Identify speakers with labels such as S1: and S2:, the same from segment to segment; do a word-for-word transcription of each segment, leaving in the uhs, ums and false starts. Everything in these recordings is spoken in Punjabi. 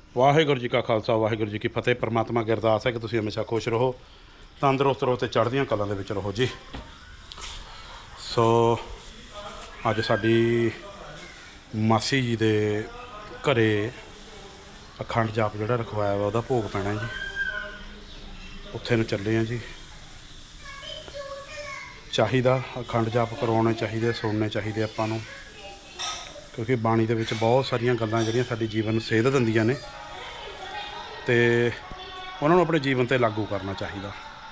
S1: ਵਾਹਿਗੁਰੂ ਜੀ ਕਾ ਖਾਲਸਾ ਵਾਹਿਗੁਰੂ ਜੀ ਕੀ ਫਤਿਹ। परमात्मा की अरदास है कि तुसीं हमेशा खुश रहो, तंदुरुस्त रहो तो चढ़दियां कलां दे विच रहो जी। सो अज साडी मासी जी दे घरे अखंड जाप जिहड़ा रखवाया वा उहदा भोग पैना जी। उत्थे नूं चले हैं जी। चाहिदा अखंड जाप करवाने चाहिए, सुनने चाहिए आपां नूं, क्योंकि बाणी दे विच बहुत सारियां गल्लां जिहड़ियां साडी जीवन नूं सेध दिंदियां ने ते उन्हां नूं अपने जीवन ते लागू करना चाहिए।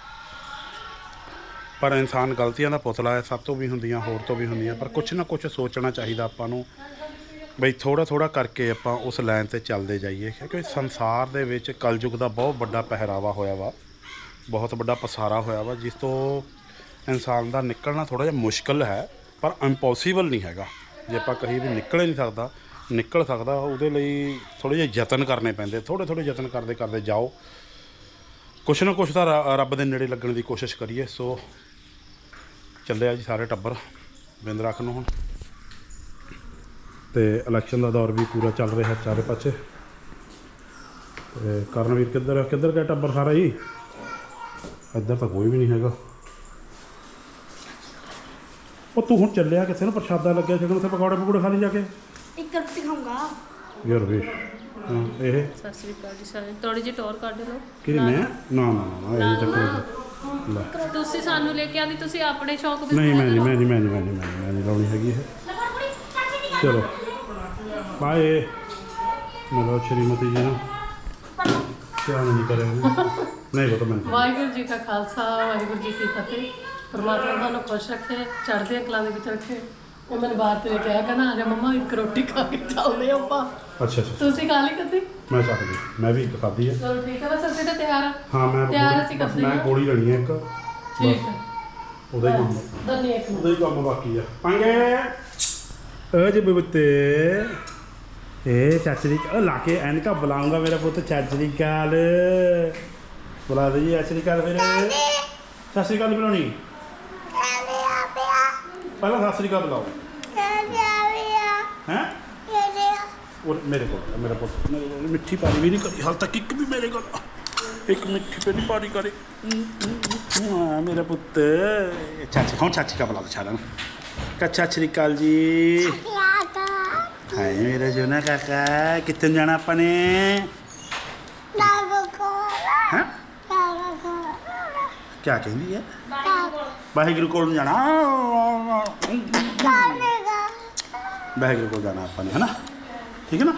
S1: पर इंसान गलतियां दा पुतला है, सब तो भी होंदियां, होर तो भी होंदियां, पर कुछ ना कुछ सोचना चाहिए आपां नूं बई थोड़ा थोड़ा करके आपां उस लाइन ते चलते जाइए। क्योंकि संसार दे विच कलयुग दा बहुत बड़ा पहरावा होया वा, बहुत बड़ा पसारा होया वा, जिस तो इंसान दा निकलना थोड़ा जिहा मुश्किल है, पर इंपॉसिबल नहीं हैगा। जे आपां कहीं भी निकल ही नहीं सकदा, निकल सकदा, उहदे लई थोड़े जिहे यतन करने पैंदे। थोड़े थोड़े यतन करते करते जाओ, कुछ ना कुछ तो रब दे नेड़े लगण की कोशिश करिए। सो ਚੱਲਿਆ जी सारे टब्बर बिंद रख नूं हुण ते इलैक्शन का दौर भी पूरा चल रहा है चारे पासे। ते करनवीर किधर किधर गया टब्बर सारा ही? इधर तो कोई भी नहीं हैगा। ਉਹ ਤੂੰ ਹੁਣ ਚੱਲਿਆ ਕਿਸੇ ਨੂੰ ਪ੍ਰਸ਼ਾਦਾ ਲੱਗਿਆ ਛਕਣ, ਉੱਥੇ ਪਕੌੜੇ ਪਕੌੜੇ ਖਾ ਲਈ ਜਾ ਕੇ।
S2: ਇੱਕ ਰੋਟੀ ਖਾਊਂਗਾ
S1: ਯਾਰ ਵੇ ਹਾਂ ਇਹ
S3: ਸਤਿ ਸ੍ਰੀ ਅਕਾਲ ਜੀ ਸਾਰੇ। ਥੋੜੀ ਜਿਹੀ ਟੌਰ ਕੱਢ ਲਓ।
S1: ਕਿਹੜੀ ਮੈਂ? ਨਾ ਨਾ ਨਾ ਇਹ ਚੱਕਰ ਲੈ
S3: ਤੁਸੀਂ ਸਾਨੂੰ ਲੈ ਕੇ ਆਂਦੀ, ਤੁਸੀਂ ਆਪਣੇ ਸ਼ੌਕ ਵਿੱਚ
S1: ਨਹੀਂ ਮੈਂ ਨਹੀਂ ਮੈਂ ਨਹੀਂ ਮੈਂ ਨਹੀਂ ਮੈਂ ਨਹੀਂ ਮੈਂ ਨਹੀਂ ਮੈਂ ਨਹੀਂ ਲਾਉਣੀ ਹੈਗੀ ਇਹ। ਚਲੋ ਬਾਏ। ਮਿਲੋ ਸ਼੍ਰੀਮਤੀ ਜੀ ਨੂੰ ਧਿਆਨ ਨਹੀਂ ਕਰਿਆ ਨਹੀਂ ਪਤਾ ਮੈਨੂੰ।
S3: ਵਾਹਿਗੁਰੂ ਜੀ ਕਾ ਖਾਲਸਾ ਵਾਹਿਗੁਰੂ ਜੀ ਕੀ ਫਤਿਹ। परमात्मा ਤੁਹਾਨੂੰ ਖੁਸ਼ ਰੱਖੇ, ਚੜ੍ਹਦੀਆਂ ਕਲਾਂ ਦੇ ਵਿੱਚ ਰੱਖੇ। ਉਹ ਮੈਨੂੰ ਬਾਹਰ ਤੇ ਲੈ ਕੇ ਆਇਆ, ਕਹਿੰਦਾ ਆ ਜਾ ਮੰਮਾ ਇੱਕ ਰੋਟੀ ਖਾ ਕੇ ਚੱਲਦੇ ਆਪਾਂ।
S1: ਅੱਛਾ ਅੱਛਾ
S3: ਤੁਸੀਂ ਖਾ ਲਈ ਕਦੀ?
S1: ਮੈਂ ਸਕਦੀ, ਮੈਂ ਵੀ ਇੱਕ ਖਾਧੀ ਹੈ।
S3: ਚਲੋ ਠੀਕ ਹੈ, ਬਸ ਅਸੀਂ ਤਾਂ ਤਿਆਰ ਆ।
S1: ਹਾਂ ਮੈਂ
S3: ਤਿਆਰ ਅਸੀਂ
S1: ਬਸ
S3: ਕਰਦੇ
S1: ਮੈਂ
S3: ਹਾਂ।
S1: ਗੋਲੀ ਲੈਣੀ ਹੈ ਇੱਕ,
S3: ਠੀਕ ਹੈ,
S1: ਉਹਦਾ ਹੀ ਕੰਮ
S3: ਦੰਨੀ ਇੱਕ
S1: ਉਹਦਾ ਹੀ ਕੰਮ ਬਾਕੀ ਆ। ਪੰਗੇ ਓ ਜੀ ਬੁੱਤੇ ਇਹ ਚਾਚਰੀ ਉਹ ਲਾ ਕੇ ਐਨਕਾ ਬੁਲਾਉਂਗਾ ਮੇਰਾ ਪੁੱਤ। ਚਾਚਰੀ ਕਾਲ ਬੁਲਾ ਦੇ ਜੀ। ਚਾਚਰੀ ਕਾਲ ਫਿਰ ਚਾਚਰੀ ਕਾਲ ਬੁਲਾਉਣੀ ਪਹਿਲਾਂ। ਸਤਿ ਸ੍ਰੀ ਅਕਾਲ ਬੁਲਾਓ ਹੈ। और मेरे को मेरा पुत मेरे को मिट्ठी पानी भी नहीं करी हाल तक, एक भी मेरे को एक मिट्ठी पे नहीं पानी करे। हाँ मेरा पुत। चाची हाँ चाची का बुला दो छाड़ा का। चाची काल जी हाय मेरा जोना काका। कितने जाना अपने हाँ क्या कहती है? वाहिगुरु को जाना, वाहिगुरु को जाना अपने है ना, ठीक है ना।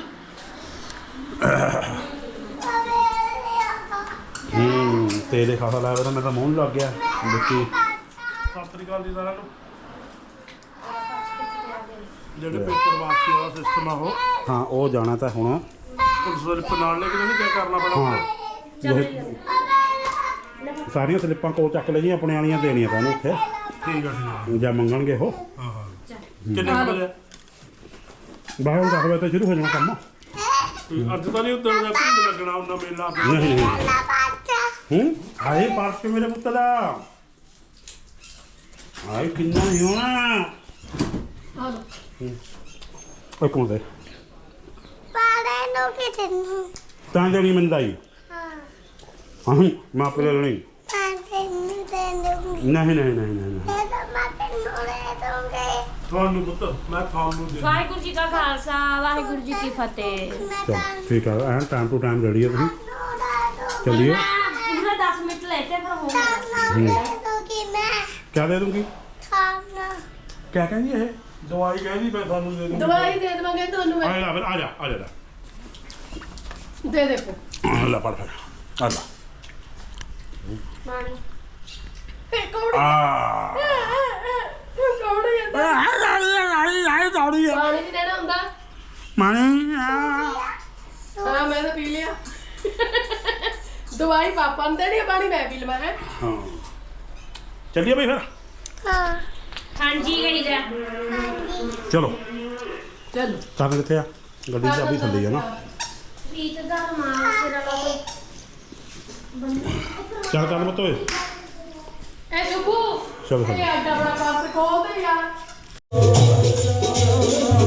S1: हम्म तेरे खासा लाया था, मेरा मूँह लग गया देखी। सत श्री अकाल जी सारा ਜਿਹੜੇ ਪੇਪਰ ਵਾਪਸੀ ਵਾਲਾ ਸਿਸਟਮ ਆ ਉਹ ਹਾਂ ਉਹ ਜਾਣਾ ਤਾਂ ਹੁਣ ਪੁਲਿਸ ਸਲਿੱਪ ਨਾਲ ਲੈ ਕੇ ਨਹੀਂ ਕਿਆ ਕਰਨਾ ਪੈਣਾ। ਹਾਂ ਸਾਰੀਆਂ ਸਲਿੱਪਾਂ ਕੋਲ ਚੱਕ ਲੈ ਜੀ, ਆਪਣੇ ਵਾਲੀਆਂ ਦੇਣੀਆਂ ਪੈਣ ਉੱਥੇ। ਠੀਕ ਆ ਠੀਕ ਆ ਜਾਂ ਮੰਗਣਗੇ ਉਹ। ਹਾਂ ਹਾਂ ਕਿੰਨੇ ਵਜੇ? ਬਾਹਰ ਦਸ ਵਜੇ ਤੋਂ ਸ਼ੁਰੂ ਹੋ ਜਾਣਾ ਕੰਮ। ਅੱਜ ਤਾਂ ਨਹੀਂ ਉੱਧਰ ਦਾ ਭੀੜ ਲੱਗਣਾ ਉਹਨਾਂ ਮੇਲਾ। ਨਹੀਂ ਨਹੀਂ ਹੂੰ ਹਾਏ ਪਾਰਸ ਕੇ ਮੇਰੇ ਪੁੱਤ ਦਾ ਹਾਏ ਕਿੰਨਾ ਨਹੀਂ ਹੋਣਾ।
S3: ਆ ਲਓ
S1: ਓਏ ਕੌਣ ਦੇ
S2: ਪਾੜੇ ਨੂੰ ਕਿਤੇ ਨੂੰ
S1: ਤਾਂ ਦੇਣੀ ਮੰਦਾਈ।
S2: ਹਾਂ
S1: ਹਾਂ ਮੈਂ ਆਪੇ ਲੈ ਲੈਣੀ।
S2: ਪਾੜੇ ਨੂੰ ਤੇ ਨੂੰ
S1: ਨਹੀਂ ਨਹੀਂ ਨਹੀਂ ਨਹੀਂ
S2: ਇਹ ਤਾਂ ਮੈਂ ਤੈਨੂੰ ਲੈ ਦੂੰਗੀ।
S1: ਤੁਹਾਨੂੰ ਪੁੱਤ ਮੈਂ ਤੁਹਾਨੂੰ ਦੇ।
S4: ਵਾਹਿਗੁਰੂ ਜੀ ਕਾ ਖਾਲਸਾ ਵਾਹਿਗੁਰੂ ਜੀ ਕੀ ਫਤਿਹ।
S2: ਮੈਂ
S1: ਚਲ ਠੀਕ ਆ ਐਨ ਟਾਈਮ ਟੂ ਟਾਈਮ ਰੈਡੀ ਹੈ ਤੁਸੀਂ
S2: ਤੈਨੂੰ ਲੈ ਦੂੰਗੀ।
S1: ਚੱਲੀਏ।
S4: ਪੂਰਾ ਦਸ ਮਿੰਟ ਲੈਤੇ ਪਰ ਹੋ ਗਿਆ।
S2: ਤੈਨੂੰ ਲੈ ਦੂੰਗੀ ਮੈਂ
S1: ਕਿਆ ਦੇ ਦੂੰਗੀ?
S2: ਖਾਣਾ
S1: ਕਿਆ ਕਹਿੰਦੀ ਇਹ? ਦਵਾਈ ਕਹਿੰਦੀ ਮੈਂ ਤੁਹਾਨੂੰ ਦੇ ਦੂੰਗੀ।
S3: ਦਵਾਈ ਦੇ ਦੇਵਾਂਗੇ ਤੁਹਾਨੂੰ।
S1: ਆ ਜਾ ਫਿਰ ਆ ਜਾ ਆ ਜਾ
S3: ਦੇ ਦੇਖੋ
S1: ਲੈ ਪੜ ਫਿਰ ਆ ਜਾ
S4: ਮਾਣੀ
S3: ਇਹ ਕੌੜੀ
S1: ਆ
S3: ਕੌੜੀ ਜਾਂਦਾ।
S1: ਆਈ ਆਈ ਆਈ ਦੌੜੀ ਆ
S3: ਪਾਣੀ ਨਹੀਂ ਦੇਣਾ ਹੁੰਦਾ।
S1: ਮਾਣੀ ਆ
S3: ਹਾਂ ਮੈਂ ਤਾਂ ਪੀ ਲਿਆ। ਦਵਾਈ ਪਾਪਾ ਨੂੰ ਦੇਣੀ ਆ, ਪਾਣੀ ਮੈਂ ਪੀ ਲਵਾਂ। ਹੈ
S1: ਹਾਂ ਚੱਲੀਏ ਬਈ ਫਿਰ।
S2: ਹਾਂ
S4: ਹਾਂਜੀ ਗਈ ਜਾ।
S1: ਚਲੋ
S3: ਚਲੋ
S1: ਕਰਨ ਕਿੱਥੇ ਆ? ਗੱਡੀ ਦੀ ਚਾਬੀ ਥੱਲੇ ਆ ਨਾ।
S4: ਰੀਤ ਦਾ ਮਾਂ ਸਿਰ ਵਾਲਾ
S1: ਚੱਲ ਕਰ ਮਤ ਓਏ।
S3: ਇਹ ਸ਼ੁਭੂ
S1: ਚਲੋ
S3: ਇਹ
S1: ਚਲੋ
S3: ਐਡਾ ਬੜਾ ਪਾਸ ਖੋਲ ਦੇ ਯਾਰ।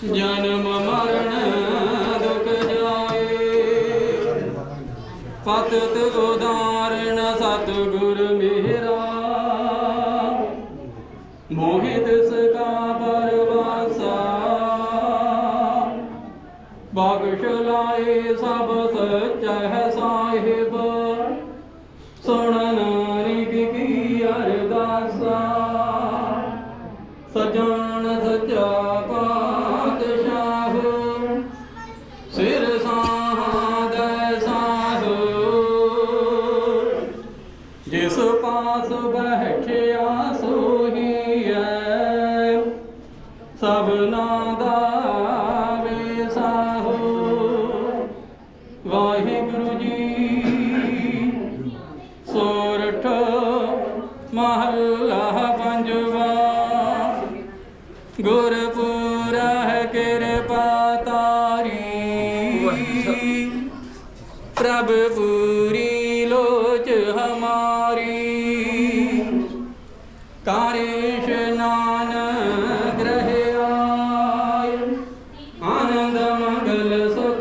S5: ਜਨਮ ਮਰਨ ਦੁਖ ਜਾਏ ਪਤਿਤ ਉਦਾਹਰਣ ਸਤਿਗੁਰ ਮੇਰਾ ਮੋਹਿਤ ਸਕਾ ਪਰਵਾਸਾ ਬਖਸ਼ ਲਾਏ ਸਭ ਸਚੈ ਸਾਹਿਬ ਸੁਣਨ ਨਾਨਕ ਕੀ ਅਰਦਾਸਾ ਸਜਾਨ ਸਚਾ ਪਾਤਸ਼ਾਹ ਸਿਰ ਸਾਧੈ ਸਾਹੋ ਜਿਸ ਪਾਸ ਬੈਠਿਆ ਸੋਹੀ ਹੈ ਸਭਨਾ ਦਾ ਵੇਸਾਹੋ ਵਾਹਿਗੁਰੂ ਜੀ ਸੋਰਠ ਮਹੱਲਾ ਪੰਜਵਾ ਗੁਰਪੁਰਹਿ ਕਿਰਪਾ ਤਾਰੀ ਪ੍ਰਭ ਪੂਰੀ ਲੋਚ ਹਮਾਰੀ ਕਾਰੇ ਇਸ਼ਨਾਨ ਗ੍ਰਹਿ ਆਏ ਆਨੰਦ ਮੰਗਲ ਸੁਖ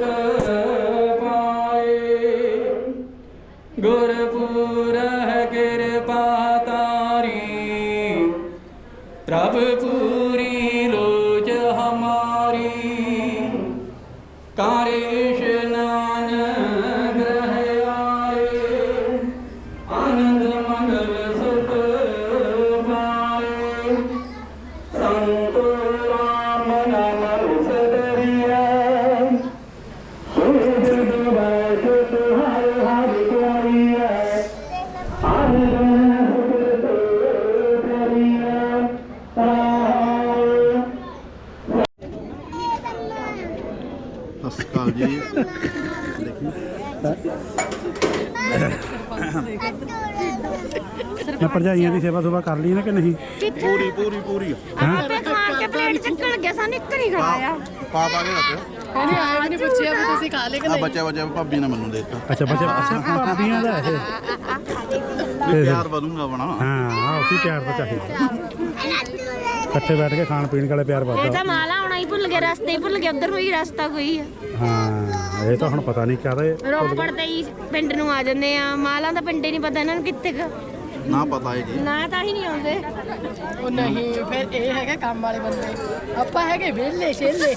S5: ਪਾਏ ਗੁਰਪੁਰਹਿ ਕਿਰਪਾ ਤਾਰੀ ਪ੍ਰਭ ਪੂਰੀ ਲੋਚ ਹਮਾਰੀ ਕਾਰੇ ਇਸ਼ਨਾਨ ਗ੍ਰਹਿ ਆਏ ਆਨੰਦ ਮੰਗਲ ਸੁਖ ਪਾਏ ਸੰਤ ਰਾਮ ਨਾਮ ਸਦਰੀਆ ਸੁਧ ਦੁਬੈਸ਼ ਤੁਹਰ ਹਰ ਕੋਰੀਆ ਆਨੰਦ ਸੁਖ ਕਰੀਆ
S6: ਸਤਿ ਸ਼੍ਰੀ ਅਕਾਲ ਜੀ।
S1: ਮੈਂ ਭਰਜਾਈਆਂ ਦੀ ਸੇਵਾ ਸੁਭਾ ਕਰ ਲਈ ਨਾ ਕਿ ਨਹੀਂ?
S6: ਪੂਰੀ ਪੂਰੀ ਪੂਰੀ
S2: ਆਪੇ ਖਾ ਕੇ ਪਲੇਟ ਚੱਕਣ ਲੱਗਿਆ ਸਾਨੂੰ ਇੱਕ ਨਹੀਂ ਖਵਾਇਆ
S6: ਪਾ ਪਾ ਕੇ ਰੱਖਿਓ।
S3: ਕਹਿੰਦੇ ਆਏ ਵੀ ਨਹੀਂ ਪੁੱਛਿਆ ਵੀ ਤੁਸੀਂ ਖਾ ਲਏ ਕਿ
S6: ਆ
S3: ਨਹੀਂ।
S6: ਬੱਚਾ ਬੱਚਾ ਭਾਬੀ ਨੇ ਮੈਨੂੰ ਦੇ ਦਿੱਤਾ
S1: ਅੱਛਾ ਬੱਚੇ ਅੱਛਾ ਭਾਬੀਆਂ ਦਾ ਇਹ
S6: ਵੀ ਪਿਆਰ ਵਧੂਗਾ ਬਣਾ।
S1: ਹਾਂ ਆ ਉਸੇ ਪਿਆਰ ਦਾ ਚਾਹੀਦਾ ਇਕੱਠੇ ਬੈਠ ਕੇ ਖਾਣ ਪੀਣ ਵਾਲੇ ਪਿਆਰ
S4: ਇਹ
S1: ਵੱਧਦਾ।
S4: ਤਾਂ ਮਾਲਾ ਆਉਣਾ ਹੀ ਭੁੱਲ ਗਿਆ ਰਸਤੇ ਹੀ ਭੁੱਲ ਗਿਆ ਉਧਰ ਨੂੰ ਹੀ ਰਸਤਾ ਕੋਈ ਆ
S1: ਹਾਂ ਇਹ ਤਾਂ ਹੁਣ ਪਤਾ ਨਹੀਂ ਕਾਹਦੇ
S4: ਰੋਪੜ ਤੇ ਹੀ ਪਿੰਡ ਨੂੰ ਆ ਜਾਂਦੇ ਆ ਮਾਲਾ ਦਾ ਪਿੰਡ ਹੀ ਨਹੀਂ ਪਤਾ ਇਹਨਾਂ ਨੂੰ ਕਿੱਥੇ ਕੁ
S6: ਨਾ ਪਤਾ ਹੈ ਜੀ।
S4: ਨਾ ਤਾਂ ਹੀ ਨਹੀਂ ਆਉਂਦੇ
S3: ਉਹ ਨਹੀਂ ਫਿਰ ਇਹ ਹੈਗਾ ਕੰਮ ਵਾਲੇ ਬੰਦੇ ਆਪਾਂ ਹੈਗੇ ਵਿਹਲੇ ਛੇਲੇ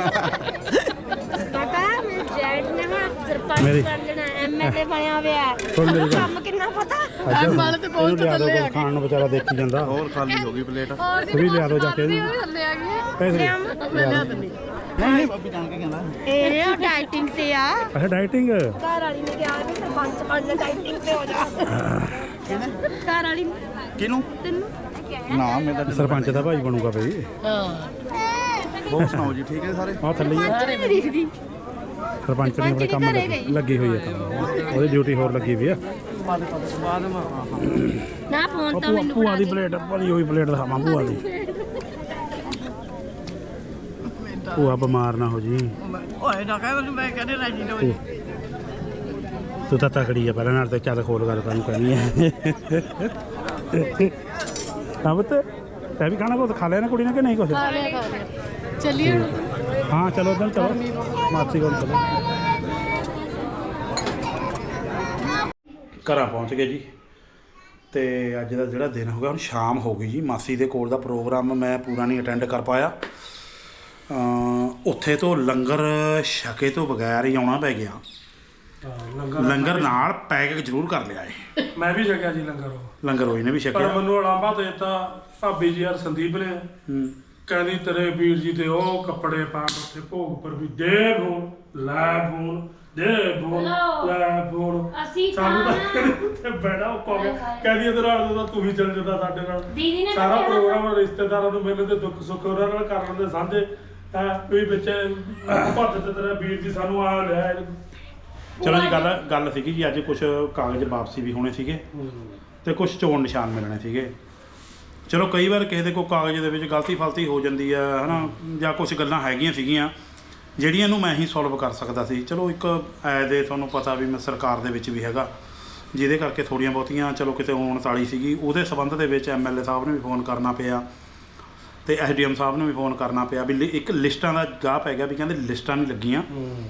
S4: ਪਤਾ ਮੇਰੇ ਜੈਟ ਨੇ ਹੁਣ ਸਰਪੰਚ
S1: ਮੇਰੀ-
S4: ਬਣ ਜਾਣਾ ਐਮਐਲਏ ਬਣਿਆ ਹੋਇਆ
S1: ਸੁਣ ਮੇਰੀ ਗੱਲ।
S4: ਕੰਮ ਕਿੰਨਾ ਪਤਾ
S1: ਅੱਜ
S3: ਵਾਲੇ ਤੇ ਬਹੁਤ
S1: ਇਹਨੂੰ ਲਿਆ
S3: ਥੱਲੇ
S1: ਦਿਓ
S3: ਆ
S1: ਖਾਣ ਨੂੰ ਵਿਚਾਰਾ ਦੇਖੀ ਜਾਂਦਾ।
S6: ਹੋਰ ਖਾਲੀ ਹੋ ਗਈ ਪਲੇਟ।
S1: ਵੀ ਲਿਆ ਦਿਓ ਜਾ ਕੇ ਇਹਨੂੰ।
S3: ਥੱਲੇ ਆ ਗਏ
S1: ਪੈਸੇ
S3: ਮੈਂ ਲਿਆ ਦਿੰਦੀ
S6: ਨਹੀਂ ਨਹੀਂ ਭਾਬੀ ਜਾਣ ਕੇ ਕਹਿੰਦਾ
S4: ਇਹ ਡਾਈਟਿੰਗ ਤੇ ਆ
S1: ਅੱਛਾ ਡਾਈਟਿੰਗ
S4: ਘਰ ਵਾਲੀ ਨੇ ਕਿਹਾ ਵੀ ਸਰਪੰਚ ਬਣ ਡਾਈਟਿੰਗ ਤੇ ਹੋ ਜਾ ਘਰ ਵਾਲੀ ਨੇ
S6: ਕਿਹਨੂੰ
S4: ਤੈਨੂੰ
S6: ਨਾ ਮੈਂ ਤਾਂ
S1: ਸਰਪੰਚ ਦਾ ਭਾਈ ਬਣੂਗਾ ਬਈ।
S3: ਹਾਂ
S6: ਹੋਰ ਸੁਣਾਓ ਜੀ ਠੀਕ ਹੈ ਸਾਰੇ।
S1: ਆ ਥੱਲੇ ਹੀ ਆ।
S4: ਨਹੀਂ ਦਿਖਦੀ
S1: ਸਰਪੰਚ ਨੇ ਆਪਣੇ ਕੰਮ
S4: ਘਰੇ
S1: ਲੱਗੀ-
S4: ਗਈ।
S1: ਲੱਗੀ ਹੋਈ ਹੈ ਕੰਮ ਉਹਦੀ ਡਿਊਟੀ ਹੋਰ ਲੱਗੀ ਵੀ ਆ।
S4: ਨਾ ਫੋਨ
S1: ਉਹ
S4: ਤਾਂ
S1: ਭੂਆ
S4: ਮੈਨੂੰ
S1: ਭੂਆ
S4: ਫੜਾ
S1: ਦੀ
S4: ਦੇ
S1: ਪਲੇਟ ਭਰੀ ਹੋਈ ਪਲੇਟ ਦਿਖਾਵਾਂ ਭੂਆ ਦੀ। ਭੂਆ ਬਿਮਾਰ ਨਾ ਹੋ ਜੀ।
S3: ਓਏ ਨਾ ਕਹਿ ਮੈਨੂੰ ਮੈਂ ਕਹਿੰਦੇ ਰਾਜੀ ਨਾ
S1: ਤੂੰ ਤੂੰ ਤਾਂ ਤਕੜੀ ਆ ਪਹਿਲਾਂ ਨਾਲ ਤੇ ਚੱਲ ਖੋਲ ਗੱਲ ਤੁਹਾਨੂੰ ਕਹਿਣੀ ਹੈ। ਹਾਂ ਪੁੱਤ ਤੈਂ ਵੀ ਖਾਣਾ ਕੁਛ ਖਾ ਲਿਆ ਨਾ ਕੁੜੀ ਨੇ ਕਿ ਨਹੀਂ ਕੁਛ?
S3: ਖਾ ਲਿਆ ਖਾ ਲਿਆ ਚੱਲੀਏ ਹੁਣ
S1: ਹਾਂ ਚਲੋ ਉਧਰ ਚਲੋ ਮਾਸੀ ਕੋਲ ਚਲੋ। ਘਰਾਂ ਪਹੁੰਚ ਗਏ ਜੀ ਤੇ ਅੱਜ ਦਾ ਜਿਹੜਾ ਦਿਨ ਹੋ ਗਿਆ ਹੁਣ ਸ਼ਾਮ ਹੋ ਗਈ ਜੀ। ਮਾਸੀ ਦੇ ਕੋਲ ਦਾ ਪ੍ਰੋਗਰਾਮ ਮੈਂ ਪੂਰਾ ਨਹੀਂ ਅਟੈਂਡ ਕਰ ਪਾਇਆ। ਅ ਉੱਥੇ ਤੋਂ ਲੰਗਰ ਛਕੇ ਤੋਂ ਬਗੈਰ ਹੀ ਆਉਣਾ ਪੈ ਗਿਆ। ਲੰਗਰ ਨਾਲ ਪੈਕ ਜ਼ਰੂਰ ਕਰ ਲਿਆ ਏ।
S7: ਮੈਂ ਵੀ ਛਕਿਆ ਜੀ ਲੰਗਰ ਉਹ
S1: ਲੰਗਰ ਹੋਈ ਨੇ ਵੀ
S7: ਪਰ
S1: ਛਕਿਆ।
S7: ਮੈਨੂੰ ਅਲਾਂਭਾ ਦੇ ਦਿੱਤਾ ਭਾਬੀ ਜੀ ਯਾਰ ਸੰਦੀਪ ਨੇ
S1: ਹੂੰ
S7: ਕਹਿੰਦੀ ਤੇਰੇ ਵੀਰ ਜੀ ਤੇ ਉਹ ਕੱਪੜੇ ਪਾ ਕੇ ਉੱਥੇ ਭੋਗ ਪਰ ਵੀ ਦੇ ਫੋਨ ਲੈ ਫੋਨ ਦੇ ਫੋਨ ਲੈ ਫੋਨ
S4: ਅਸੀਂ
S7: ਸਾਨੂੰ ਤਾਂ
S4: ਖਾਣਾ
S7: ਉੱਥੇ ਬੈਠਾ ਉਹ ਕਹੋ ਕਹਿੰਦੀ ਇਹਦੇ ਨਾਲ ਤਾਂ ਤੂੰ ਵੀ ਚੱਲ ਜਾਂਦਾ ਸਾਡੇ ਨਾਲ
S4: ਦੀਦੀ ਨੇ
S7: ਸਾਰਾ
S4: ਤਾਂ ਕਿਹਾ
S7: ਪ੍ਰੋਗਰਾਮ ਰਿਸ਼ਤੇਦਾਰਾਂ ਨੂੰ ਮਿਲਣ ਦੇ ਦੁੱਖ ਸੁੱਖ ਉਹਨਾਂ ਨਾਲ ਕਰ ਲੈਂਦੇ ਸਾਂਝੇ ਹੈ ਵੀ ਵਿੱਚ ਭੱਜ ਤੇ ਤੇਰਾ ਵੀਰ ਜੀ ਸਾਨੂੰ ਆ ਲਿਆ
S1: ਚਲੋ ਜੀ ਗੱਲ ਗੱਲ ਸੀਗੀ ਜੀ ਅੱਜ ਕੁਝ ਕਾਗਜ਼ ਵਾਪਸੀ ਵੀ ਹੋਣੇ ਸੀਗੇ ਤੇ ਕੁਝ ਚੋਣ ਨਿਸ਼ਾਨ ਮਿਲਣੇ ਸੀਗੇ। ਚਲੋ ਕਈ ਵਾਰ ਕਿਸੇ ਦੇ ਕੋਈ ਕਾਗਜ਼ ਦੇ ਵਿੱਚ ਗਲਤੀ ਫਲਤੀ ਹੋ ਜਾਂਦੀ ਆ ਹਨਾ ਜਾਂ ਕੁਝ ਗੱਲਾਂ ਹੈਗੀਆਂ ਸੀਗੀਆਂ ਜਿਹੜੀਆਂ ਨੂੰ ਮੈਂ ਹੀ ਸੋਲਵ ਕਰ ਸਕਦਾ ਸੀ। ਚਲੋ ਇੱਕ ਐ ਦੇ ਤੁਹਾਨੂੰ ਪਤਾ ਵੀ ਮੈਂ ਸਰਕਾਰ ਦੇ ਵਿੱਚ ਵੀ ਹੈਗਾ ਜਿਹਦੇ ਕਰਕੇ ਥੋੜੀਆਂ ਬਹੁਤੀਆਂ ਚਲੋ ਕਿਤੇ ਹੋਣ ਵਾਲੀ ਸੀਗੀ ਉਹਦੇ ਸਬੰਧ ਦੇ ਵਿੱਚ ਐਮ ਐਲ ਏ ਸਾਹਿਬ ਨੂੰ ਵੀ ਫੋਨ ਕਰਨਾ ਪਿਆ ਤੇ ਐਸਡੀਐਮ ਸਾਹਿਬ ਨੂੰ ਵੀ ਫੋਨ ਕਰਨਾ ਪਿਆ ਵੀ ਲਿ- ਇੱਕ ਲਿਸਟਾਂ ਦਾ ਗਾਹ ਪੈ ਗਿਆ ਵੀ ਕਹਿੰਦੇ ਲਿਸਟਾਂ ਨਹੀਂ ਲੱਗੀਆਂ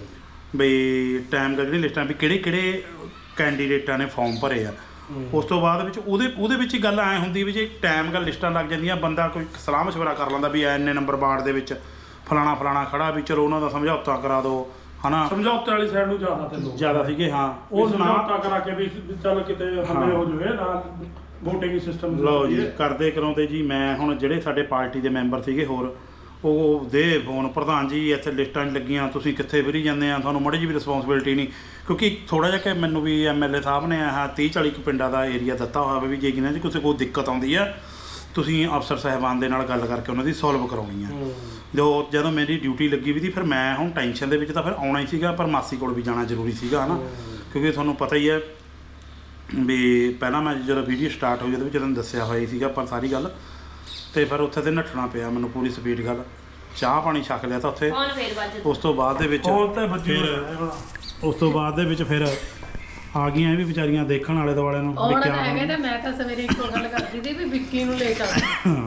S1: ਬਈ ਟਾਈਮ ਦਾ ਜਿਹੜੀ ਲਿਸਟਾਂ ਵੀ ਕਿਹੜੇ ਕਿਹੜੇ ਕੈਂਡੀਡੇਟਾਂ ਨੇ ਫਾਰਮ ਭਰੇ ਆ। ਉਸ ਤੋਂ ਬਾਅਦ ਵਿੱਚ ਉਹਦੇ ਉਹਦੇ ਵਿੱਚ ਹੀ ਗੱਲ ਐ ਹੁੰਦੀ ਵੀ ਜੇ ਟਾਈਮ ਗੱਲ ਲਿਸਟਾਂ ਲੱਗ ਜਾਂਦੀਆਂ ਬੰਦਾ ਕੋਈ ਸਲਾਹ ਮਸ਼ਵਰਾ ਕਰ ਲੈਂਦਾ ਵੀ ਐਨੇ ਨੰਬਰ ਵਾਰਡ ਦੇ ਵਿੱਚ ਫਲਾਣਾ ਫਲਾਣਾ ਖੜਾ ਵੀ ਚਲੋ ਉਹਨਾਂ ਦਾ ਸਮਝੌਤਾ ਕਰਾ ਦਿਓ ਹਨਾ।
S7: ਸਮਝੌਤੇ ਵਾਲੀ ਸਾਈਡ ਨੂੰ ਜ਼ਿਆਦਾ ਤੇ ਲੋਕ
S1: ਜ਼ਿਆਦਾ ਸੀਗੇ ਹਾਂ
S7: ਉਹ
S1: ਉਹ ਨਾ
S7: ਸਮਝੌਤਾ ਕਰਾ ਕੇ ਵੀ ਚੱਲ ਕਿਤੇ ਹੱਲੇ ਹੋ ਜਾਵੇ ਨਾ VOTING ਸਿਸਟਮ
S1: ਲਓ ਜੀ ਕਰਦੇ ਕਰਾਉਂਦੇ ਜੀ ਮੈਂ ਹੁਣ ਜਿਹੜੇ ਸਾਡੇ ਪਾਰਟੀ ਦੇ ਮੈਂਬਰ ਸੀਗੇ ਹੋਰ ਉਹ ਦੇ ਫੋਨ ਪ੍ਰਧਾਨ ਜੀ ਇੱਥੇ ਲਿਸਟਾਂ ਨਹੀਂ ਲੱਗੀਆਂ ਤੁਸੀਂ ਕਿੱਥੇ ਫਿਰੀ ਜਾਂਦੇ ਆ ਤੁਹਾਨੂੰ ਮਾੜੀ ਜਿਹੀ ਵੀ ਰਿਸਪੌਂਸਿਬਿਲਟੀ ਨਹੀਂ ਕਿਉਂਕਿ ਥੋੜ੍ਹਾ ਜਿਹਾ ਕਿ ਮੈਨੂੰ ਵੀ ਐਮਐਲਏ ਸਾਹਿਬ ਨੇ ਆਹ ਤੀਹ ਚਾਲੀ ਕੁ ਪਿੰਡਾਂ ਦਾ ਏਰੀਆ ਦਿੱਤਾ ਹੋਇਆ ਵੀ ਜੇ ਕਿਨਾਂ 'ਚ ਕਿਸੇ ਕੋਈ ਦਿੱਕਤ ਆਉਂਦੀ ਆ ਤੁਸੀਂ ਅਫਸਰ ਸਾਹਿਬਾਨ ਦੇ ਨਾਲ ਗੱਲ ਕਰਕੇ ਉਹਨਾਂ ਦੀ ਸੋਲਵ ਕਰਾਉਣੀ ਆ। ਜੋ ਜਦੋਂ ਮੇਰੀ ਡਿਊਟੀ ਲੱਗੀ ਵੀ ਸੀ ਫਿਰ ਮੈਂ ਹੁਣ ਟੈਨਸ਼ਨ ਦੇ ਵਿੱਚ ਤਾਂ ਫਿਰ ਆਉਣਾ ਹੀ ਸੀਗਾ ਪਰ ਮਾਸੀ ਕੋਲ ਵੀ ਜਾਣਾ ਜ਼ਰੂਰੀ ਸੀਗਾ ਹੈ ਨਾ ਕਿਉਂਕਿ ਤੁਹਾਨੂੰ ਪਤਾ ਹੀ ਹੈ ਵੀ ਪਹਿਲਾਂ ਮੈਂ ਜਦੋਂ ਵੀਡੀਓ ਸਟਾਰਟ ਹੋਈ ਉਹਦੇ ਵਿੱਚ ਤੁਹਾਨੂੰ ਦੱਸਿਆ ਹੋਇਆ ਹੀ ਸੀਗਾ ਪਰ ਸਾਰੀ ਗੱਲ ਤੇ ਫਿਰ ਉੱਥੇ ਤੇ ਨੱਠਣਾ ਪਿਆ ਮੈਨੂੰ ਪੂਰੀ ਸਪੀਡ ਗੱਲ ਚਾਹ ਪਾਣੀ ਛਕ ਲਿਆ ਤਾਂ ਉੱਥੇ ਉਸ ਤੋਂ ਬਾਅਦ ਦੇ ਵਿੱਚ
S7: ਫੋਨ ਤੇ ਵੱਜੀ
S1: ਉਸ ਤੋਂ ਬਾਅਦ ਦੇ ਵਿੱਚ ਫਿਰ ਆ ਗਈਆਂ ਇਹ ਵੀ ਵਿਚਾਰੀਆਂ ਦੇਖਣ ਵਾਲੇ ਦੁਆਲੇ ਨੂੰ
S3: ਹੁਣ ਤਾਂ ਹੈਗੇ ਤੇ ਮੈਂ ਤਾਂ ਸਵੇਰੇ ਇੱਕੋ ਗੱਲ ਕਰਦੀ ਸੀ ਵੀ ਵਿੱਕੀ ਨੂੰ ਲੈ ਚੱਲ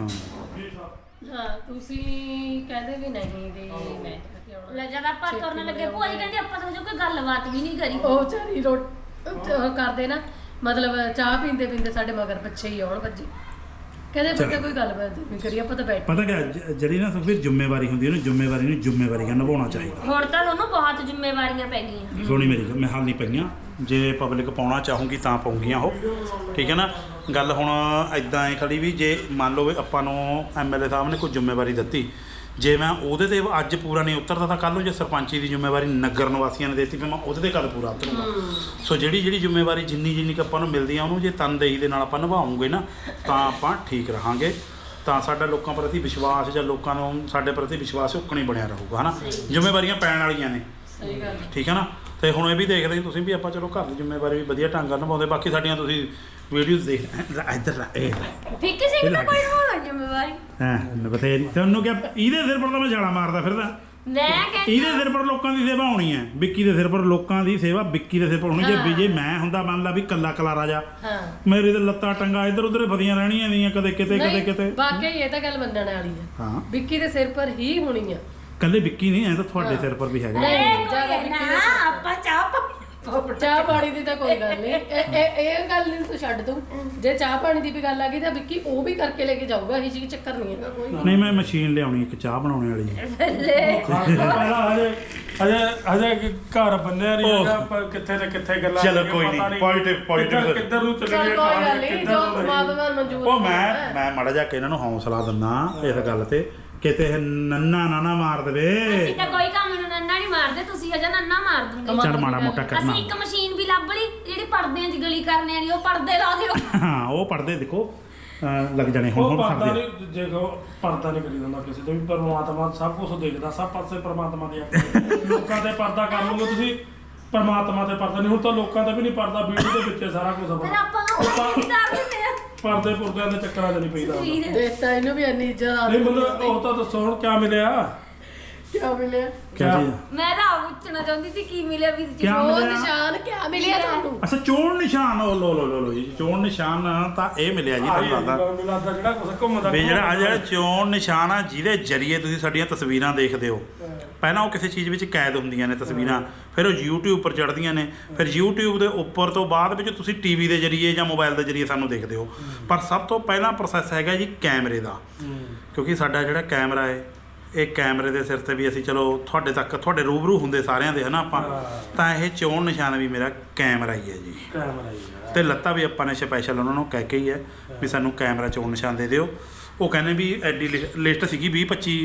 S3: ਹਾਂ ਤੁਸੀਂ ਕਹਿੰਦੇ ਵੀ ਨਹੀਂ ਵੀ ਮੈਂ ਕਿਹਾ ਆਉਣਾ
S2: ਲੈ ਜਦ ਆਪਾਂ ਤੁਰਨ ਲੱਗੇ ਭੂਆ ਜੀ ਕਹਿੰਦੇ ਆਪਾਂ ਤਾਂ ਹਜੇ ਕੋਈ ਗੱਲਬਾਤ ਵੀ ਨਹੀਂ ਕਰੀ।
S3: ਉਹ ਚਾਰੀ ਰੋਟ ਉਹ ਕਰਦੇ ਨਾ ਮਤਲਬ ਚਾਹ ਪੀਂਦੇ ਪੀਂਦੇ ਸਾਡੇ ਮਗਰ ਪਿੱਛੇ ਹੀ ਆਉਣ ਭੱਜੀ ਕਹਿੰਦੇ ਬੱਚਾ ਕੋਈ ਗੱਲਬਾਤ ਨਹੀਂ ਕਰੀ ਆਪਾਂ ਤਾਂ ਬੈਠੇ
S1: ਪਤਾ ਕਿ ਜਿਹੜੀ ਨਾ ਸੁਖਬੀਰ ਜ਼ਿੰਮੇਵਾਰੀ ਹੁੰਦੀ ਹੈ ਉਹਨੂੰ ਜ਼ਿੰਮੇਵਾਰੀ ਨੂੰ ਜ਼ਿੰਮੇਵਾਰੀ ਨਾਲ ਨਿਭਾਉਣਾ ਚਾਹੀਦਾ।
S2: ਹੁਣ ਤਾਂ ਤੁਹਾਨੂੰ ਬਹੁਤ ਜ਼ਿੰਮੇਵਾਰੀਆਂ ਪੈ ਗਈਆਂ।
S1: ਸੁਣੀ ਮੇਰੀ ਗੱਲ ਮੈਂ ਹਾਲ ਨਹੀਂ ਪਈਆਂ ਜੇ ਪਬਲਿਕ ਪਾਉਣਾ ਚਾਹੂੰਗੀ ਤਾਂ ਪਾਉਂਗੀਆਂ ਉਹ ਠੀਕ ਹੈ ਨਾ। ਗੱਲ ਹੁਣ ਇਦਾਂ ਹੈ ਖੜੀ ਵੀ ਜੇ ਮੰਨ ਲਓ ਵੀ ਆਪਾਂ ਨੂੰ ਐਮਐਲਏ ਸਾਹਿਬ ਨੇ ਕੋਈ ਜ਼ਿੰਮੇਵਾਰੀ ਦਿੱਤੀ ਜੇ ਮੈਂ ਉਹਦੇ ਤੇ ਅੱਜ ਪੂਰਾ ਨਹੀਂ ਉਤਰਦਾ ਤਾਂ ਕੱਲ੍ਹ ਨੂੰ ਜੇ ਸਰਪੰਚੀ ਦੀ ਜ਼ਿੰਮੇਵਾਰੀ ਨਗਰ ਨਿਵਾਸੀਆਂ ਨੇ ਦਿੱਤੀ ਫਿਰ ਮੈਂ ਉਹਦੇ ਤੇ ਕਦ ਪੂਰਾ ਉਤਰੂੰਗਾ। ਸੋ ਜਿਹੜੀ ਜਿਹੜੀ ਜ਼ਿੰਮੇਵਾਰੀ ਜਿੰਨੀ ਜਿੰਨੀ ਕੁ ਆਪਾਂ ਨੂੰ ਮਿਲਦੀ ਆ ਉਹਨੂੰ ਜੇ ਤਨਦੇਹੀ ਦੇ ਨਾਲ ਆਪਾਂ ਨਿਭਾਉਂਗੇ ਨਾ ਤਾਂ ਆਪਾਂ ਠੀਕ ਰਹਾਂਗੇ ਤਾਂ ਸਾਡਾ ਲੋਕਾਂ ਪ੍ਰਤੀ ਵਿਸ਼ਵਾਸ ਜਾਂ ਲੋਕਾਂ ਨੂੰ ਸਾਡੇ ਪ੍ਰਤੀ ਵਿਸ਼ਵਾਸ ਉੱਕਣੀ ਬਣਿਆ ਰਹੂਗਾ ਹੈ ਨਾ। ਜ਼ਿੰਮੇਵਾਰੀਆਂ ਪੈਣ ਵਾਲੀਆਂ ਨੇ
S3: ਸਹੀ ਗੱਲ
S1: ਠੀਕ ਹੈ ਨਾ। ਤੇ ਹੁਣ ਇਹ ਵੀ ਦੇਖਦੇ ਤੁਸੀਂ ਵੀ ਆਪਾਂ ਚਲੋ ਘਰ ਦੀ ਜ਼ਿੰਮੇਵਾਰੀ ਵੀ ਵਧੀਆ ਢੰਗ ਨਾਲ ਨਿਭਾਉਂਦੇ ਬਾਕੀ ਸਾਡੀਆਂ ਤੁਸੀਂ ਵੀਡੀਓਜ਼ ਦੇਖ ਇੱਧਰ ਇਹ
S2: ਫਿੱਕੀ ਸਿੰਘ ਦਾ ਕੋਈ ਹੋਣਾ ਜ਼ਿੰਮੇਵਾਰੀ
S1: ਹਾਂ ਬਥੇਰੀ ਤੁਹਾਨੂੰ ਕਿਹਾ ਇਹਦੇ ਸਿਰ ਪਰ ਤਾਂ ਮੈਂ ਛਾਲਾ ਮਾਰਦਾ ਫਿਰਦਾ
S2: ਮੈਂ ਕਹਿੰਦੀ
S1: ਇਹਦੇ ਸਿਰ ਪਰ ਲੋਕਾਂ ਦੀ ਸੇਵਾ ਹੋਣੀ ਹੈ ਵਿੱਕੀ ਦੇ ਸਿਰ ਪਰ ਲੋਕਾਂ ਦੀ ਸੇਵਾ ਵਿੱਕੀ ਦੇ ਸਿਰ ਪਰ ਹੋਣੀ ਜੇ ਵੀ ਜੇ ਮੈਂ ਹੁੰਦਾ ਮੰਨ ਲਾ ਵੀ ਕੱਲਾ ਕਲਾ ਰਾਜਾ
S3: ਹਾਂ
S1: ਮੇਰੇ ਤੇ ਲੱਤਾਂ ਟੰਗਾ ਇੱਧਰ ਉੱਧਰ ਫਦੀਆਂ ਰਹਿਣੀਆਂ ਦੀਆਂ ਕਦੇ ਕਿਤੇ ਕਦੇ ਕਿਤੇ
S3: ਵਾਕਈ ਇਹ ਤਾਂ ਗੱਲ ਮੰਨਣ ਵਾਲੀ ਹੈ
S1: ਹਾਂ
S3: ਵਿੱਕੀ ਦੇ ਸਿਰ ਪਰ ਹੀ ਹੋਣੀ ਆ
S1: ਕੱਲੇ ਵਿੱਕੀ ਨਹੀਂ ਐ ਤਾਂ ਤੁਹਾਡੇ ਸਿਰ ਪਰ ਵੀ ਹੈਗਾ
S3: ਨਹੀਂ ਜ਼ਿਆਦਾ ਵਿੱਕੀ ਦੇ ਸਿਰ
S2: ਆਪਾਂ ਚਾਹ ਪਾ
S3: ਚਾਹ ਪਾਣੀ ਦੀ ਤਾਂ ਕੋਈ ਗੱਲ ਨਹੀਂ ਇਹ ਇਹ ਇਹ ਗੱਲ ਨਹੀਂ ਤੂੰ ਛੱਡ ਦੂੰ ਜੇ ਚਾਹ ਪਾਣੀ ਦੀ ਵੀ ਗੱਲ ਆ ਗਈ ਤਾਂ ਵਿੱਕੀ ਉਹ ਵੀ ਕਰਕੇ ਲੈ ਕੇ ਜਾਊਗਾ ਇਹ ਚੀਜ਼ ਚੱਕਰ ਨਹੀਂ ਹੈਗਾ ਕੋਈ
S1: ਨਹੀਂ ਮੈਂ ਮਸ਼ੀਨ ਲਿਆਉਣੀ ਇੱਕ ਚਾਹ ਬਣਾਉਣ ਵਾਲੀ
S7: ਪਹਿਲਾਂ ਹਜੇ ਹਜੇ ਹਜੇ ਘਰ ਬੰਨਿਆ ਨਹੀਂ ਹੈਗਾ ਆਪਾਂ ਕਿੱਥੇ ਤੇ ਕਿੱਥੇ ਗੱਲਾਂ
S1: ਚਲੋ
S7: ਕਰੀਏ,
S1: ਕੋਈ
S7: ਪਤਾ
S1: ਨਹੀਂ, positive, positive
S7: ਕਿੱਧਰ- ਕਿੱਧਰ ਨੂੰ ਚੱਲੇ
S3: ਚੱਲ
S7: ਗਏ
S3: ਕੋਈ ਗੱਲ ਨਹੀਂ
S7: ਕਿੱਧਰ
S3: ਜੋ
S7: ਨੂੰ ਨਹੀਂ।
S3: ਪਰਮਾਤਮਾ ਮਨਜ਼ੂਰ
S1: ਉਹ ਮੈਂ ਮੈਂ ਮਾੜਾ ਜਿਹਾ ਕਿ ਇਹਨਾਂ ਨੂੰ ਹੌਸਲਾ ਦਿੰਦਾ ਇਸ ਗੱਲ ਤੇ ਕਿਤੇ ਇਹ ਨੰਨਾ ਨਾ ਨਾ ਮਾਰ ਦੇਵੇ
S2: ਅਸੀਂ ਤਾਂ ਕੋਈ ਕੰਮ ਨੂੰ ਨੰਨਾ ਨਹੀਂ ਮਾਰਦੇ ਤੁਸੀਂ ਹਜੇ ਨੰਨਾ ਮਾਰ ਦੂੰਗੇ।
S1: ਚੱਲ ਮਾੜਾ ਮੋਟਾ ਕਰਨਾ
S2: ਅਸੀਂ ਇੱਕ ਮਸ਼ੀਨ ਵੀ ਲੱਭ ਲਈ ਜਿਹੜੀ ਪਰਦਿਆਂ 'ਚ ਗਲੀ ਕਰਨੇ ਵਾਲੀ ਉਹ ਪਰਦੇ ਲਾ ਦਿਓ।
S1: ਹਾਂ ਉਹ ਪੜਦੇ ਦੇਖੋ ਅਹ ਲੱਗ ਜਾਣੇ ਹੁਣ
S7: ਉਹ
S1: ਹੁਣ
S7: ਪਰਦਾ
S1: ਕਰਦੇ
S7: ਨਹੀਂ ਦੇਖੋ ਪਰਦਾ ਨਹੀਂ ਕਰੀ ਜਾਂਦਾ ਕਿਸੇ ਤੇ ਵੀ ਪਰਮਾਤਮਾ ਸਭ ਕੁਝ ਦੇਖਦਾ ਸਭ ਪਾਸੇ ਪਰਮਾਤਮਾ ਦੇ ਆਪਣੇ ਲੋਕਾਂ ਤੇ ਪਰਦਾ ਕਰ ਲਓਗੇ ਤੁਸੀਂ ਪਰਮਾਤਮਾ ਤੇ ਪਰਦਾ ਨਹੀਂ ਹੁਣ ਤਾਂ ਲੋਕਾਂ ਦਾ ਵੀ ਨਹੀਂ ਪਰਦਾ ਵੀਡੀਓ ਦੇ ਵਿੱਚ ਸਾਰਾ ਕੁਝ
S2: ਫਿਰ
S7: ਆਪਣਾ
S2: ਆਪਾਂ ਨੂੰ ਉਹ ਵੀ ਕਰ ਦਿੰਦੇ ਆ।
S7: ਪਰਦੇ ਪੁਰਦਿਆਂ ਦੇ ਚੱਕਰਾਂ 'ਚ ਨਹੀਂ ਪਈਦਾ ਹੁੰਦਾ।
S3: ਦੇਤਾ ਇਹਨੂੰ ਵੀ ਇੰਨੀ ਇੱਜ਼ਤ ਆ
S7: ਨਹੀਂ ਮਤਲਬ ਉਹ ਤਾਂ ਦੱਸੋ ਹੁਣ ਕਿਆ ਮਿਲਿਆ
S3: ਕਿਆ ਮਿਲਿਆ
S1: ਕਿਆ ਚੀਜ਼
S2: ਮੈਂ ਤਾਂ ਆਪ ਪੁੱਛਣਾ ਚਾਹੁੰਦੀ ਸੀ ਕੀ ਮਿਲਿਆ ਵੀ ਜੀ
S1: ਕਿਆ
S3: ਉਹ
S1: ਮਿਲਿਆ?
S3: ਨਿਸ਼ਾਨ ਕਿਆ ਮਿਲਿਆ ਤੁਹਾਨੂੰ
S1: ਅੱਛਾ ਚੋਣ ਨਿਸ਼ਾਨ ਉਹ ਲੋ ਲੋ ਲੋ ਲੋ ਜੀ ਚੋਣ ਨਿਸ਼ਾਨ ਤਾਂ ਇਹ ਮਿਲਿਆ ਜੀ ਤੁਹਾਨੂੰ ਦੱਸਦਾ
S7: ਮੈਨੂੰ ਲੱਗਦਾ ਜਿਹੜਾ ਕੁਝ ਘੁੰਮਦਾ
S1: ਵੀ ਜਿਹੜਾ ਆ ਜਿਹੜਾ ਚੋਣ ਨਿਸ਼ਾਨ ਆ ਜਿਹਦੇ ਜਰੀਏ ਤੁਸੀਂ ਸਾਡੀਆਂ ਤਸਵੀਰਾਂ ਦੇਖਦੇ ਹੋ ਪਹਿਲਾਂ ਉਹ ਕਿਸੇ ਚੀਜ਼ ਵਿੱਚ ਕੈਦ ਹੁੰਦੀਆਂ ਨੇ ਤਸਵੀਰਾਂ ਫਿਰ ਉਹ YouTube ਉੱਪਰ ਚੜ੍ਹਦੀਆਂ ਨੇ ਫਿਰ YouTube ਦੇ ਉੱਪਰ ਤੋਂ ਬਾਅਦ ਵਿੱਚ ਤੁਸੀਂ ਟੀਵੀ ਦੇ ਜਰੀਏ ਜਾਂ ਮੋਬਾਈਲ ਦੇ ਜਰੀਏ ਸਾਨੂੰ ਦੇਖਦੇ ਹੋ ਪਰ ਸਭ ਤੋਂ ਪਹਿਲਾਂ ਪ੍ਰੋਸੈਸ ਹੈਗਾ ਜੀ ਕੈਮਰੇ ਦਾ ਕਿਉਂਕਿ ਸਾਡਾ ਜਿਹੜਾ ਕੈਮਰਾ ਹੈ ਇਹ ਕੈਮਰੇ ਦੇ ਸਿਰ ਤੇ ਵੀ ਅਸੀਂ ਚਲੋ ਤੁਹਾਡੇ ਤੱਕ ਤੁਹਾਡੇ ਰੂਬਰੂ ਹੁੰਦੇ ਸਾਰਿਆਂ ਦੇ ਹਨਾ ਆਪਾਂ ਤਾਂ ਇਹ ਚੋਣ ਨਿਸ਼ਾਨ ਵੀ ਮੇਰਾ ਕੈਮਰਾ ਹੀ ਹੈ ਜੀ
S7: ਕੈਮਰਾ ਹੀ
S1: ਤੇ ਲੱਤਾ ਵੀ ਆਪਾਂ ਨੇ ਸਪੈਸ਼ਲ ਉਹਨਾਂ ਨੂੰ ਕਹਿ ਕੇ ਹੀ ਹੈ ਵੀ ਸਾਨੂੰ ਕੈਮਰਾ ਚੋਣ ਨਿਸ਼ਾਨ ਦੇ ਦਿਓ ਉਹ ਕਹਿੰਦੇ ਵੀ ਐਡੀ ਲਿਸਟ ਸੀਗੀ ਵੀਹ ਪੱਚੀ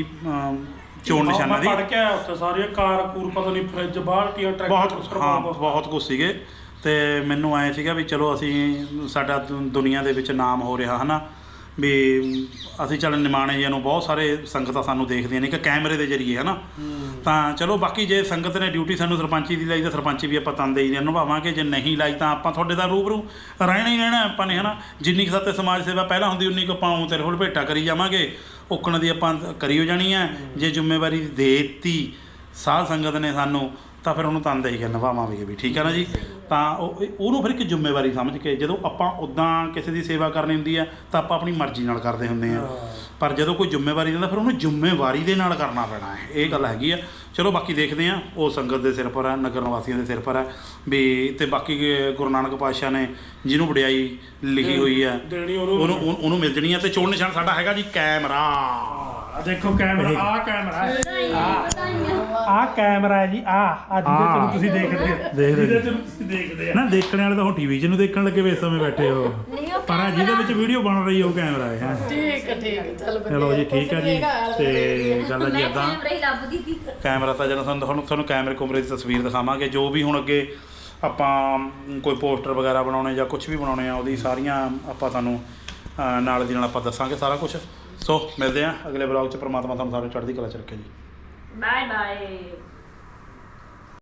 S1: ਚੋਣ ਨਿਸ਼ਾਨਾਂ ਦੀ
S7: ਪੜ ਕੇ ਆਇਆ ਉੱਥੇ ਸਾਰੀਆਂ ਕਾਰ ਕੂਰ ਪਤਾ ਨਹੀਂ ਫ੍ਰਿਜ ਬਾਲਟੀਆਂ ਟਰੈਕਟਰ
S1: ਬਹੁਤ ਹਾਂ ਬਹੁਤ ਕੁਝ ਸੀਗੇ ਤੇ ਮੈਨੂੰ ਐ ਸੀਗਾ ਵੀ ਚਲੋ ਅਸੀਂ ਸਾਡਾ ਦੁ- ਦੁਨੀਆ ਦੇ ਵਿੱਚ ਨਾਮ ਹੋ ਰਿਹਾ ਹਨਾ ਵੀ ਅਸੀਂ ਚੱਲ ਨਿਮਾਣੇ ਜੀ ਨੂੰ ਬਹੁਤ ਸਾਰੇ ਸੰਗਤਾਂ ਸਾਨੂੰ ਦੇਖਦੀਆਂ ਨੇ ਕਿ ਕੈਮਰੇ ਦੇ ਜਰੀਏ ਹਨਾ ਤਾਂ ਚਲੋ ਬਾਕੀ ਜੇ ਸੰਗਤ ਨੇ ਡਿਊਟੀ ਸਾਨੂੰ ਸਰਪੰਚੀ ਦੀ ਲਾਈ ਤਾਂ ਸਰਪੰਚੀ ਵੀ ਆਪਾਂ ਤਨਦੇਹੀ ਨਾਲ ਨਿਭਾਵਾਂਗੇ ਜੇ ਨਹੀਂ ਲਾਈ ਤਾਂ ਆਪਾਂ ਤੁਹਾਡੇ ਦਾ ਰੂਬਰੂ ਰਹਿਣਾ ਹੀ ਰਹਿਣਾ ਆਪਾਂ ਨੇ ਹਨਾ ਜਿੰਨੀ ਕੁ ਸਾਤੇ ਸਮਾਜ ਸੇਵਾ ਪਹਿਲਾਂ ਹੁੰਦੀ ਉਨੀ ਕੁ ਆਪਾਂ ਤੇਰੇ ਕੋਲ ਭੇਟਾ ਕਰੀ ਜਾਵਾਂਗੇ ਓਕਣ ਦੀ ਆਪਾਂ ਕਰੀ ਹੋ ਜਾਣੀ ਹੈ ਜੇ ਜ਼ਿੰਮੇਵਾਰੀ ਦੇ ਦਿੱਤੀ ਸਾਧ ਸੰਗਤ ਨੇ ਸਾਨੂੰ ਤਾਂ ਫਿਰ ਉਹਨੂੰ ਤਨਦੇਹੀ ਨਿਭਾਵਾਂਗੇ ਵੀ, ਠੀਕ ਹੈ ਨਾ ਜੀ। ਤਾਂ ਉਹ ਉਹਨੂੰ ਫਿਰ ਇੱਕ ਜ਼ਿੰਮੇਵਾਰੀ ਸਮਝ ਕੇ, ਜਦੋਂ ਆਪਾਂ ਉੱਦਾਂ ਕਿਸੇ ਦੀ ਸੇਵਾ ਕਰਨੀ ਹੁੰਦੀ ਆ ਤਾਂ ਆਪਾਂ ਆਪਣੀ ਮਰਜ਼ੀ ਨਾਲ ਕਰਦੇ ਹੁੰਦੇ ਆ, ਪਰ ਜਦੋਂ ਕੋਈ ਜ਼ਿੰਮੇਵਾਰੀ ਦਿੰਦਾ ਫਿਰ ਉਹਨੂੰ ਜ਼ਿੰਮੇਵਾਰੀ ਦੇ ਨਾਲ ਕਰਨਾ ਪੈਣਾ ਹੈ, ਇਹ ਗੱਲ ਹੈਗੀ ਆ। ਚਲੋ ਬਾਕੀ ਦੇਖਦੇ ਆ, ਉਹ ਸੰਗਤ ਦੇ ਸਿਰ ਪਰ ਹੈ, ਨਗਰ ਨਿਵਾਸੀਆਂ ਦੇ ਸਿਰ ਪਰ ਹੈ ਵੀ। ਤੇ ਬਾਕੀ ਗੁਰੂ ਨਾਨਕ ਪਾਤਸ਼ਾਹ ਨੇ ਜਿਹਨੂੰ ਵਡਿਆਈ ਲਿਖੀ ਹੋਈ ਆ
S7: ਦੇਣੀ ਉਹਨੂੰ
S1: ਉਹਨੂੰ ਉਹਨੂੰ ਮਿਲ ਜਣੀ ਆ। ਤੇ ਚੋਣ ਨਿਸ਼ਾਨ ਸਾਡਾ ਹੈਗਾ ਜੀ ਕੈਮਰਾ।
S7: ਆ ਦੇਖੋ ਕੈਮਰਾ, ਆ ਕੈਮਰਾ ਆ ਕੈਮਰਾ ਹੈ ਜੀ, ਆ ਅੱਜ ਦੇ ਤੁਸੀਂ ਦੇਖਦੇ
S1: ਦੇਖਦੇ
S7: ਜਿਹਦੇ ਚ ਤੁਸੀਂ ਦੇਖਦੇ ਆ
S1: ਨਾ, ਦੇਖਣ ਵਾਲੇ ਤਾਂ ਹੁਣ ਟੀਵੀ 'ਚ ਨੂੰ ਦੇਖਣ ਲੱਗੇ ਵੇ ਇਸ ਸਮੇਂ ਬੈਠੇ ਹੋ, ਪਰ ਜਿਹਦੇ ਵਿੱਚ ਵੀਡੀਓ ਬਣ ਰਹੀ ਉਹ ਕੈਮਰਾ ਹੈ।
S3: ਠੀਕ ਹੈ ਠੀਕ ਹੈ ਚੱਲ ਵਧੀਆ।
S1: ਚਲੋ ਜੀ ਠੀਕ ਹੈ ਜੀ। ਤੇ ਗੱਲ ਹੈ ਜੀ ਇੱਦਾਂ,
S4: ਕੈਮਰਾ ਹੀ ਲੱਭਦੀ ਸੀ
S1: ਕੈਮਰਾ ਤਾਂ ਜਦੋਂ ਤੁਹਾਨੂੰ ਤੁਹਾਨੂੰ ਤੁਹਾਨੂੰ ਕੈਮਰੇ ਕੁਮਰੇ ਦੀ ਤਸਵੀਰ ਦਿਖਾਵਾਂਗੇ, ਜੋ ਵੀ ਹੁਣ ਅੱਗੇ ਆਪਾਂ ਕੋਈ ਪੋਸਟਰ ਵਗੈਰਾ ਬਣਾਉਣੇ ਜਾਂ ਕੁਝ ਵੀ ਬਣਾਉਣੇ ਆ, ਉਹਦੀ ਸਾਰੀਆਂ ਆਪਾਂ ਤੁਹਾਨੂੰ ਅ, ਨਾਲ ਦੀ ਨਾਲ ਆਪਾਂ ਦੱਸਾਂਗੇ ਸਾਰਾ ਕੁਝ। ਸੋ ਮਿਲਦੇ ਆ ਅਗਲੇ ਬਲੌਗ 'ਚ। ਪ੍ਰਮਾਤਮਾ ਤੁਹਾਨੂੰ ਸਾਰੇ ਚੜ੍ਹਦੀ ਕਲਾ 'ਚ ਰੱਖੇ ਜੀ।
S4: Bye bye.